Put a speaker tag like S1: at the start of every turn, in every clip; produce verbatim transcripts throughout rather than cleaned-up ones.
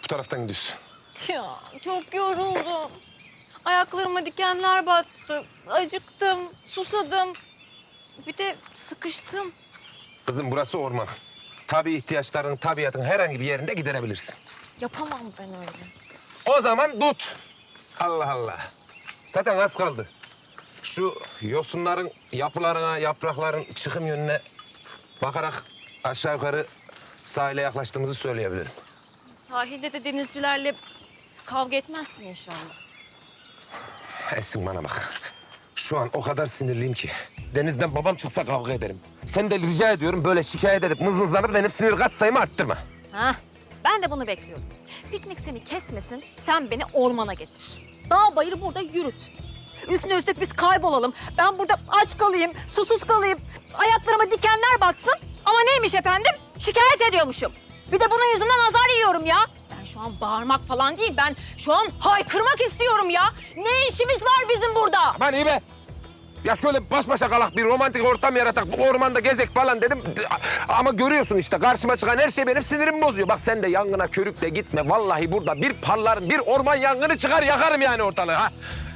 S1: Bu taraftan gidiyorsun.
S2: Ya çok yoruldum. Ayaklarıma dikenler battı. Acıktım, susadım. Bir de sıkıştım.
S1: Kızım burası orman. Tabii ihtiyaçların, tabiatın herhangi bir yerinde giderebilirsin.
S2: Yapamam ben öyle.
S1: O zaman tut. Allah Allah. Zaten az kaldı. Şu yosunların yapılarına, yaprakların çıkım yönüne bakarak aşağı yukarı sahile yaklaştığımızı söyleyebilirim.
S2: Sahilde de denizcilerle kavga etmezsin inşallah.
S1: Esin bana bak. Şu an o kadar sinirliyim ki. Denizden babam çıksa kavga ederim. Sen de rica ediyorum böyle şikayet edip mızmızlanıp benim sinir katsayımı arttırma.
S2: Ha, ben de bunu bekliyordum. Piknik seni kesmesin, sen beni ormana getir. Dağ bayır burada yürüt. Üstüne üstlük biz kaybolalım. Ben burada aç kalayım, susuz kalayım. Ayaklarıma dikenler batsın. Ama neymiş efendim? Şikayet ediyormuşum. Bir de bunun yüzünden azar yiyorum ya. Ben şu an bağırmak falan değil, ben şu an haykırmak istiyorum ya. Ne işimiz var bizim burada?
S1: Aman iyi be. Ya şöyle baş başa kalak bir romantik ortam yaratak, bu ormanda gezek falan dedim. Ama görüyorsun işte karşıma çıkan her şey benim sinirimi bozuyor. Bak sen de yangına körükle gitme. Vallahi burada bir parlarım, bir orman yangını çıkar yakarım yani ortalığı ha.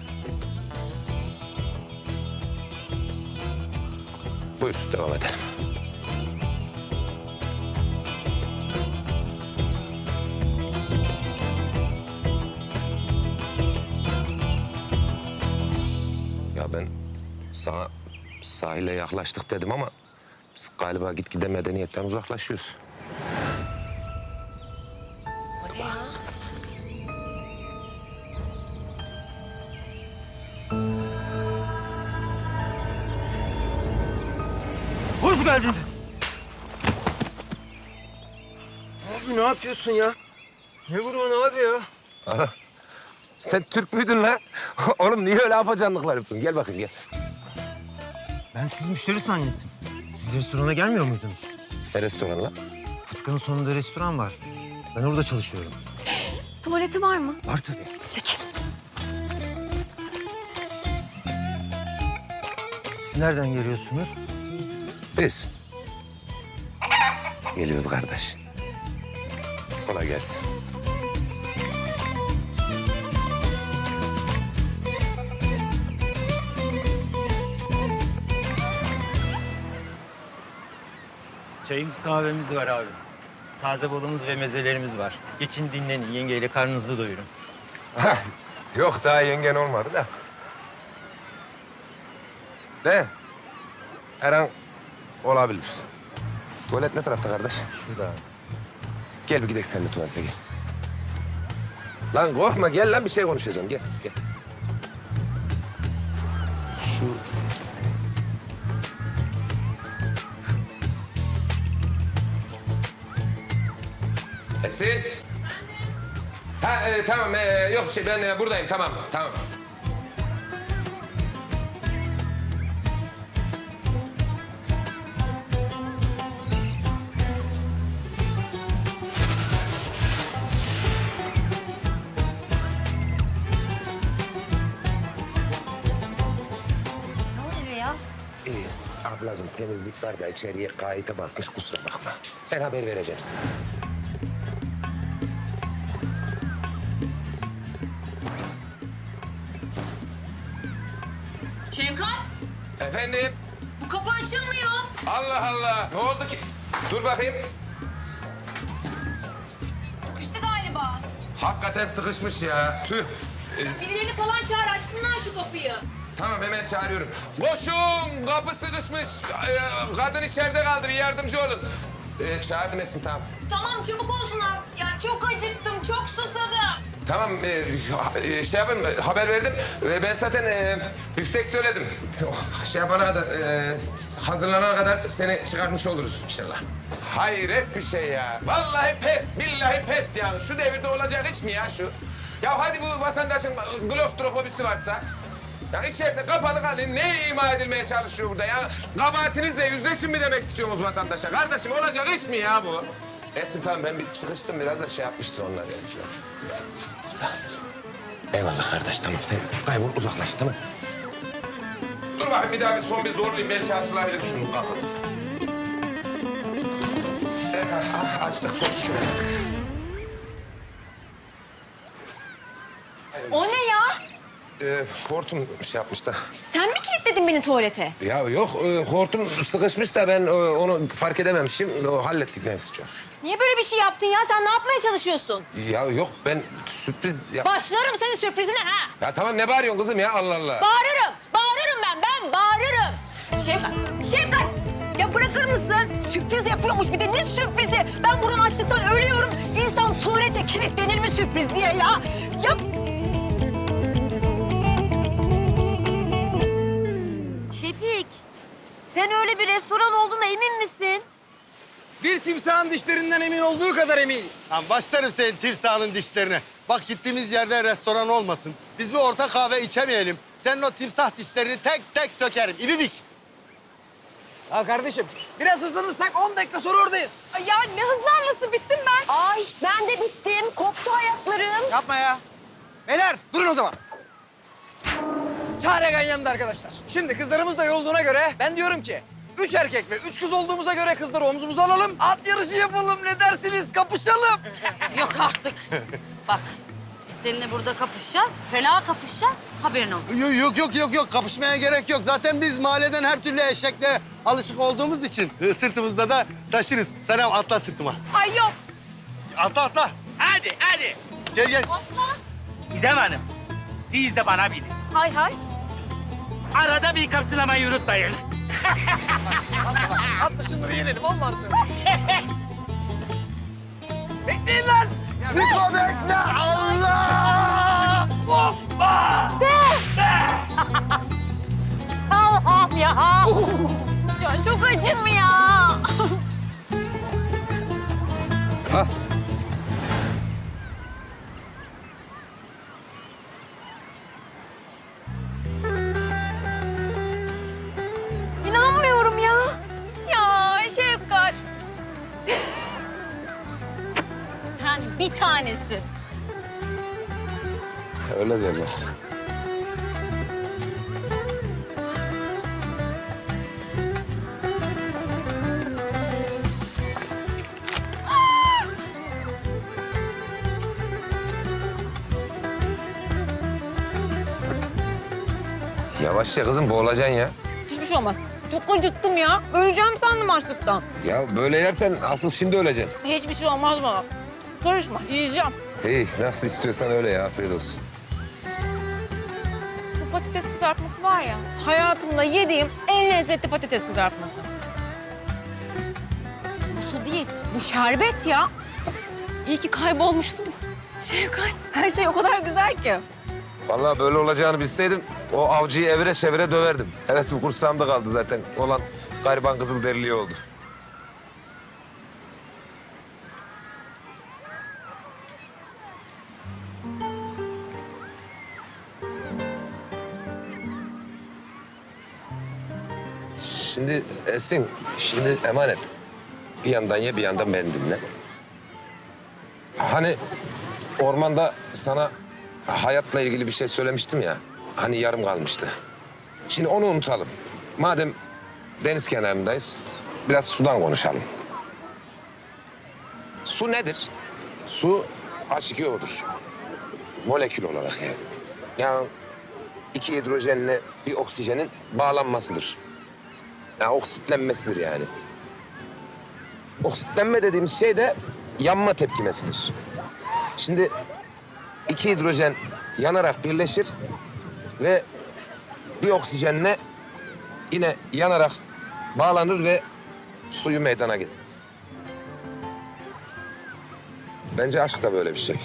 S1: Buyur devam edelim. Ya ben sana sahile yaklaştık dedim ama biz galiba gitgide medeniyetten uzaklaşıyoruz.
S2: O ne ya?
S3: Hoş geldin. Abi ne yapıyorsun ya? Ne vuruyorsun abi ya?
S1: Ana, sen Türk müydün lan? Oğlum niye öyle afacanlıklar yapıyorsun? Gel bakayım gel.
S3: Ben siz müşteri zannettim. Siz restorana gelmiyor muydunuz?
S1: Ne restoranı lan?
S3: Fıtkı'nın sonunda restoran var. Ben orada çalışıyorum.
S2: Tuvaleti var mı?
S3: Var tabii.
S2: Çekil.
S3: Siz nereden geliyorsunuz?
S1: Biz. Geliyoruz kardeş. Kolay gelsin.
S3: Çayımız kahvemiz var abi. Taze balımız ve mezelerimiz var. Geçin dinlenin, yengeyle karnınızı doyurun.
S1: Yok daha yengen olmadı da. De. Her an olabilir. Tuvalet ne tarafta kardeş?
S3: Şurada.
S1: Gel bir gidelim seninle tuvalete gel. Lan korkma gel lan bir şey konuşacağım gel gel. Şu... Esin. Ha e, tamam e, yok şey ben e, buradayım tamam tamam.
S2: Ne oluyor ya?
S1: İyi. Ablacığım temizlik var da içeriye kayıta basmış kusura bakma. Ben haber vereceğim size.
S2: Şevkat,
S1: Efendim?
S2: bu kapı açılmıyor.
S1: Allah Allah. Ne oldu ki? Dur bakayım.
S2: Sıkıştı galiba.
S1: Hakikaten sıkışmış ya. Tüh. Ee,
S2: Birilerini falan çağır, açsınlar şu kapıyı.
S1: tamam hemen çağırıyorum. Koşun! Kapı sıkışmış. Ee, kadın içeride kaldı. Bir yardımcı olun. Ee, çağırdım Esin tamam.
S2: Tamam, çabuk olsunlar. Ya çok acıktım, çok susadım.
S1: Tamam e, e, şey yapayım haber verdim. E, ben zaten e, büftek söyledim. Şey yapana kadar e, hazırlanana kadar seni çıkartmış oluruz inşallah. Hayret bir şey ya. Vallahi pes, billahi pes yani. Şu devirde olacak hiç mi ya şu? Ya hadi bu vatandaşın klostrofobisi varsa... Ya içeride kapalı kalın. Ne ima edilmeye çalışıyor burada ya? Kabahatinizle yüzleşin mi demek istiyorsunuz vatandaşa? Kardeşim olacak iş mi ya bu? Esin tamam ben bir çıkıştım biraz da şey yapmıştır onlar yani. Eyvallah kardeş tamam sen kaybol uzaklaş tamam. Dur bakayım bir daha bir son bir zorlayayım belki açılabilir şunu kapı. Evet, ah, açtık çok şükür. e, hortum şey yapmış da.
S2: Sen mi kilitledin beni tuvalete?
S1: Ya yok, e, hortum sıkışmış da ben e, onu fark edememişim. O, hallettik neyse çok.
S2: Niye böyle bir şey yaptın ya? Sen ne yapmaya çalışıyorsun?
S1: Ya yok, ben sürpriz yap...
S2: Başlarım senin sürprizine ha.
S1: Ya tamam, ne bağırıyorsun kızım ya, Allah Allah.
S2: Bağırırım. Bağırırım ben. Ben bağırırım. Şefkat. Şefkat. Ya bırakır mısın? Sürpriz yapıyormuş bir de. Ne sürprizi? Ben buradan açlıktan ölüyorum. İnsan tuvalete kilitlenir mi sürpriz diye ya? Ya...
S4: Şefik, sen öyle bir restoran olduğuna emin misin?
S5: Bir timsahın dişlerinden emin olduğu kadar emin.
S6: Lan başlarım senin timsahının dişlerine. Bak gittiğimiz yerde restoran olmasın. Biz bir orta kahve içemeyelim. Senin o timsah dişlerini tek tek sökerim. İbibik.
S5: Ha kardeşim, biraz hızlanırsak on dakika sonra oradayız.
S2: Ay ya ne hızlanması bittim ben.
S4: Ay ben de bittim, koptu ayaklarım.
S5: Yapma ya. Beyler, durun o zaman. Çaregan yanında arkadaşlar. Şimdi kızlarımız da yolduğuna göre ben diyorum ki... Üç erkek ve üç kız olduğumuza göre kızları omzumuza alalım. At yarışı yapalım, ne dersiniz? Kapışalım.
S4: Yok artık. Bak, biz seninle burada kapışacağız, fena kapışacağız. Haberin olsun.
S6: Yok yok yok yok yok kapışmaya gerek yok. Zaten biz mahalleden her türlü eşekle alışık olduğumuz için e, sırtımızda da taşırız. Selam atla sırtıma.
S2: Ay yok.
S6: Atla atla.
S7: Hadi hadi.
S6: Gel gel.
S7: Gizem Hanım, siz de bana bilin.
S2: Hay hay.
S7: Arada bir kapsılamayı unutmayın.
S5: Atla bak, atla şunları yenelim, olmaz mı? Bekleyin lan. Ya,
S6: Niko bekle Allah.
S2: Allah'ım ya. Ya çok acım ya. İnanmıyorum ya. Ya Şefkat. Sen bir tanesin.
S1: Öyle derler. Yavaş ya kızım, boğulacaksın ya.
S2: Hiçbir şey olmaz. Çok acıktım ya. Öleceğim sandım açlıktan.
S1: Ya böyle yersen asıl şimdi öleceksin.
S2: Hiçbir şey olmaz bana. Karışma, yiyeceğim.
S1: İyi, nasıl istiyorsan öyle ya, afiyet olsun.
S2: Bu patates kızartması var ya, hayatımda yediğim en lezzetli patates kızartması. Bu su değil, bu şerbet ya. İyi ki kaybolmuşuz biz. Şefkat, her şey o kadar güzel ki.
S1: Vallahi böyle olacağını bilseydim o avcıyı evire çevire döverdim. Hevesim kursağımda kaldı zaten. Olan gariban Kızılderiliği oldu. Şimdi Esin, şimdi emanet. Bir yandan ye, bir yandan beni dinle. Hani ormanda sana hayatla ilgili bir şey söylemiştim ya. Hani yarım kalmıştı. Şimdi onu unutalım. Madem deniz kenarındayız, biraz sudan konuşalım. Su nedir? Su H iki O'dur. Molekül olarak yani. Yani iki hidrojenle bir oksijenin bağlanmasıdır. Yani oksitlenmesidir yani. Oksitlenme dediğimiz şey de yanma tepkimesidir. Şimdi iki hidrojen yanarak birleşir ve bir oksijenle yine yanarak bağlanır ve suyu meydana getirir. Bence aşk da böyle bir şey.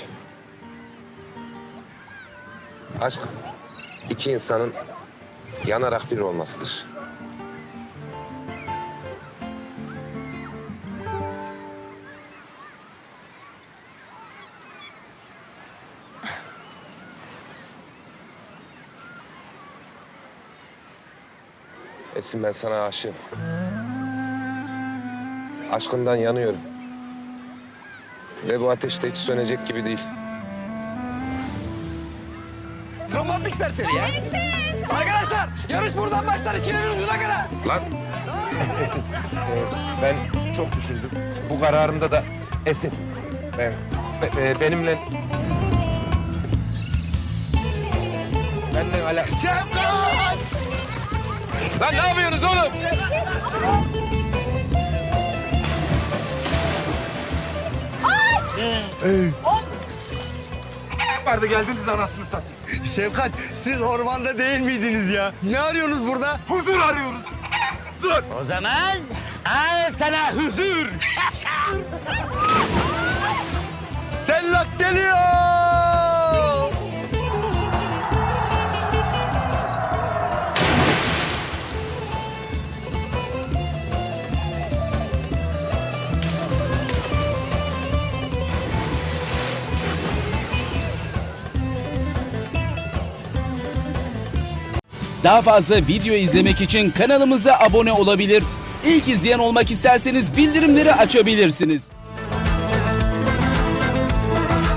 S1: Aşk iki insanın yanarak bir olmasıdır. Esin, ben sana aşığım. Aşkından yanıyorum. Ve bu ateş de hiç sönecek gibi değil.
S5: Romantik serseri ya. Arkadaşlar, yarış buradan başlar, ikilerin ucuna kadar.
S1: Lan! Esin, e, ben çok düşündüm. Bu kararımda da Esin, ben, be- e, benimle... Benden hala... Şefkat! Lan ne yapıyorsunuz oğlum?
S5: Vardı geldiniz anasını satayım.
S6: Şefkat, siz ormanda değil miydiniz ya? Ne arıyorsunuz burada?
S5: Huzur arıyoruz.
S7: O zaman al sana huzur.
S6: Tellak geliyor!
S8: Daha fazla video izlemek için kanalımıza abone olabilir. İlk izleyen olmak isterseniz bildirimleri açabilirsiniz.